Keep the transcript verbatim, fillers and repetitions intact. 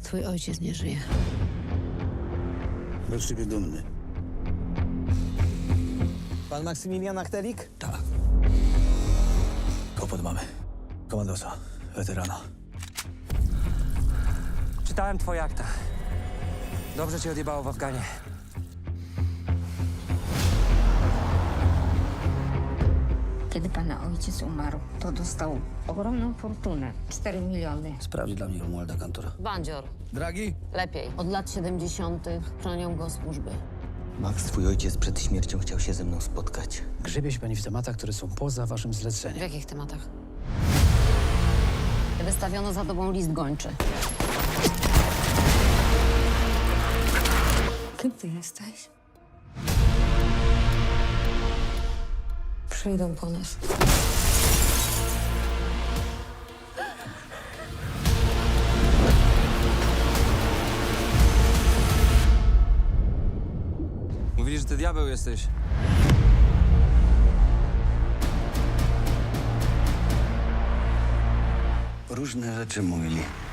Twój ojciec nie żyje. Był z ciebie dumny. Pan Maksymilian Achtelik? Tak. Kłopot mamy. Komandosa, weterana. Czytałem twoje akta. Dobrze cię odjebało w Afganie. Kiedy pana ojciec umarł, to dostał ogromną fortunę. cztery miliony. Sprawdź dla mnie Romualda Kantora. Bandzior. Dragi? Lepiej. Od lat siedemdziesiątych chronią go służby. Max, twój ojciec przed śmiercią chciał się ze mną spotkać. Grzebie się pani w tematach, które są poza waszym W zleceniem. jakich tematach? Wystawiono za tobą list gończy. Kim ty jesteś? Przyjdą po nas. Mówili, że ty diabeł jesteś. Różne rzeczy mówili.